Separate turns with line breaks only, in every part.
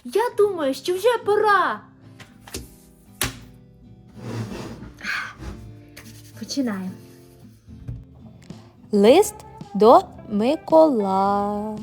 Я думаю, що вже пора. Починаємо.
Лист до Миколая.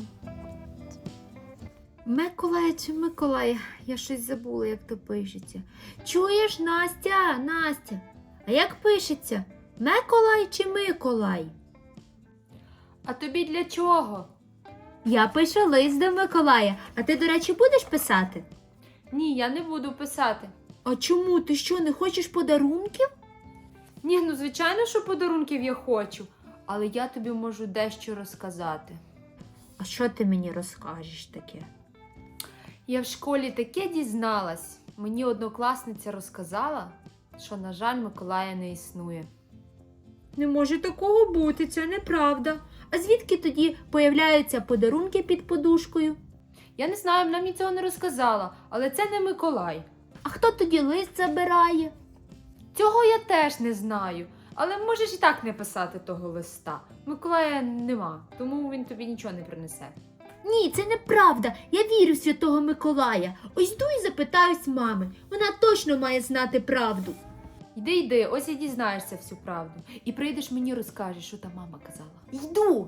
Миколая чи Миколая? Я щось забула, як то пишеться. Чуєш, Настя, Настя? А як пишеться? Миколай чи Миколай?
А тобі для чого?
Я пишу лист до Миколая. А ти, до речі, будеш писати?
Ні, я не буду писати.
А чому? Ти що, не хочеш подарунків?
Ні, ну звичайно, що подарунків я хочу. Але я тобі можу дещо розказати.
А що ти мені розкажеш таке?
Я в школі таке дізналась. Мені однокласниця розказала, що, на жаль, Миколая не існує.
Не може такого бути, це неправда. А звідки тоді появляються подарунки під подушкою?
Я не знаю, вона мені цього не розказала, але це не Миколай.
А хто тоді лист забирає?
Цього я теж не знаю. Але можеш і так не писати того листа. Миколая нема, тому він тобі нічого не принесе.
Ні, це неправда. Я вірю в Святого Миколая. Ось йду і запитаюсь мами. Вона точно має знати правду.
Йди, ось і дізнаєшся всю правду. І прийдеш мені розкажеш, що та мама казала.
Йду.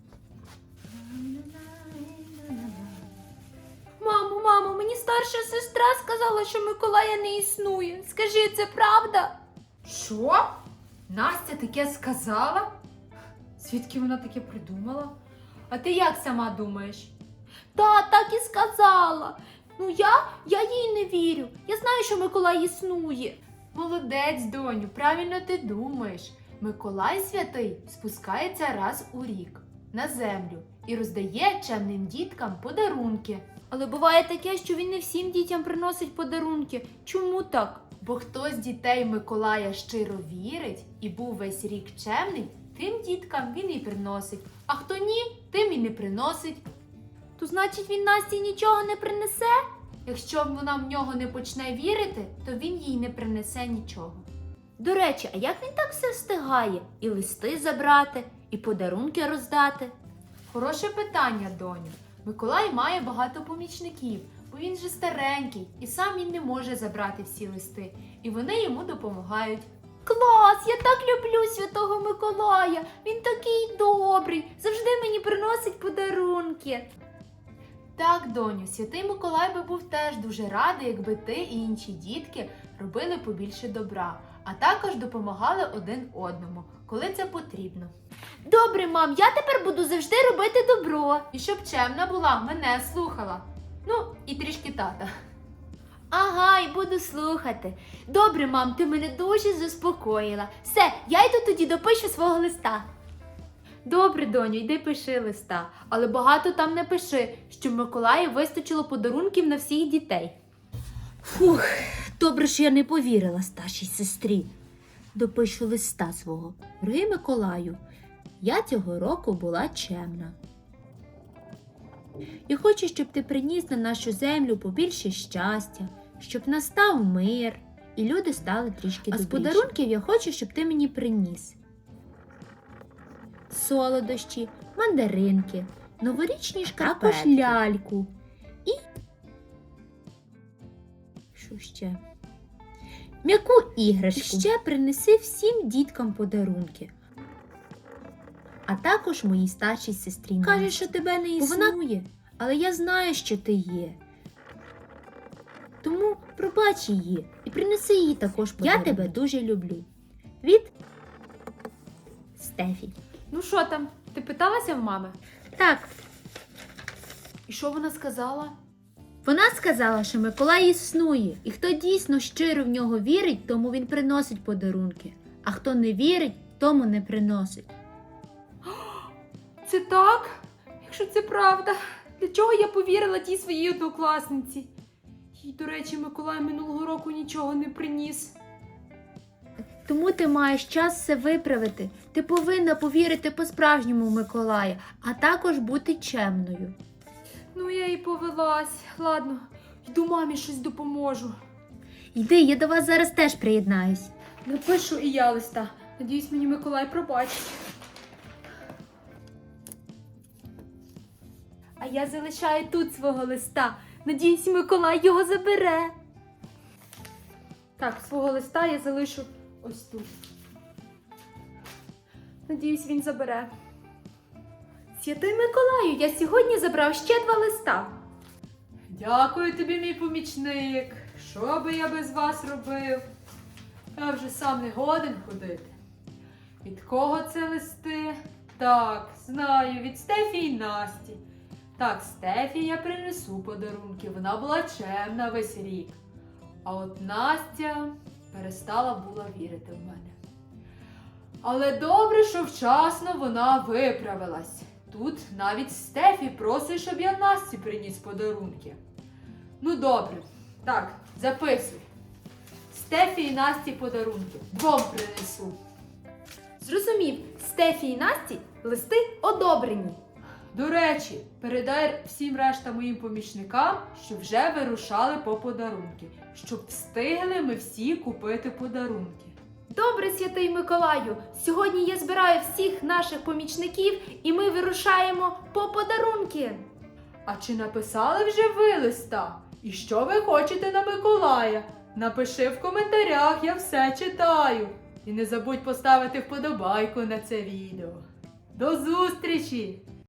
Мамо, мені старша сестра сказала, що Миколая не існує. Скажи, це правда? Що? Настя таке сказала? Звідки вона таке придумала? А ти як сама думаєш?
Так і сказала. Ну я їй не вірю. Я знаю, що Миколай існує.
Молодець, доню, правильно ти думаєш. Миколай святий спускається раз у рік на землю і роздає чемним діткам подарунки.
Але буває таке, що він не всім дітям приносить подарунки. Чому так?
Бо хто з дітей Миколая щиро вірить і був весь рік чемний, тим діткам він і приносить. А хто ні, тим і не приносить.
То значить він Насті нічого не принесе?
Якщо вона в нього не почне вірити, то він їй не принесе нічого.
До речі, а як він так все встигає? І листи забрати, і подарунки роздати?
Хороше питання, доню. Миколай має багато помічників, бо він же старенький, і сам він не може забрати всі листи, і вони йому допомагають.
Клас! Я так люблю Святого Миколая! Він такий добрий, завжди мені приносить подарунки.
Так, доню, святий Миколай би був теж дуже радий, якби ти і інші дітки робили побільше добра, а також допомагали один одному, коли це потрібно.
Добре, мам, я тепер буду завжди робити добро.
І щоб чемна була, мене слухала. Ну, і трішки тата.
Ага, і буду слухати. Добре, мам, ти мене дуже заспокоїла. Все, я йду тоді допишу свого листа.
Добре, доню, йди пиши листа, але багато там не пиши, щоб Миколаю вистачило подарунків на всіх дітей.
Фух, добре, що я не повірила старшій сестрі. Допишу листа свого. Дорогий Миколаю, я цього року була чемна. Я хочу, щоб ти приніс на нашу землю побільше щастя, щоб настав мир і люди стали трішки добріші. А з подарунків я хочу, щоб ти мені приніс солодощі, мандаринки, новорічні шкарпетки, також ляльку і що ще? М'яку іграшку. І ще принеси всім діткам подарунки. А також моїй старшій сестрі. Каже, що тебе не існує, але я знаю, що ти є. Тому пробач її і принеси їй також подарунок. Я тебе дуже люблю. Від Стефі.
Ну що там, ти питалася в мами?
Так,
І що вона сказала?
вона сказала, що Миколай існує, і хто дійсно щиро в нього вірить, тому він приносить подарунки, а хто не вірить, тому не приносить.
Це так? Якщо це правда, для чого я повірила тій своїй однокласниці? Їй, до речі, Миколай минулого року нічого не приніс.
Тому ти маєш час все виправити. Ти повинна повірити по-справжньому в Миколая, а також бути чемною.
Ну, я і повелась. Ладно, йду мамі щось допоможу.
Йди, я до вас зараз теж приєднаюсь.
Напишу і я листа. Надіюсь, мені Миколай пробачить. А я залишаю тут свого листа. Надіюсь, Миколай його забере. Так, свого листа я залишу ось тут. Надіюсь, він забере. Святий Миколаю, я сьогодні забрав ще 2 листа.
Дякую тобі, мій помічник. Що би я без вас робив? Я вже сам не годен ходити. Від кого це листи? Так, знаю, від Стефі і Насті. Так, Стефі я принесу подарунки, вона була чемна весь рік. А от Настя перестала була вірити в мене. Але добре, що вчасно вона виправилась. Тут навіть Стефі просить, щоб я Насті приніс подарунки. Ну добре, так, записуй. Стефі і Насті подарунки. 2 принесу.
Зрозумів, Стефі і Насті листи одобрені.
До речі, передай всім решта моїм помічникам, що вже вирушали по подарунки, щоб встигли ми всі купити подарунки.
Добре, Святий Миколаю, сьогодні я збираю всіх наших помічників і ми вирушаємо по подарунки.
А чи написали вже ви листа? І що ви хочете на Миколая? Напиши в коментарях, я все читаю. І не забудь поставити вподобайку на це відео. До зустрічі!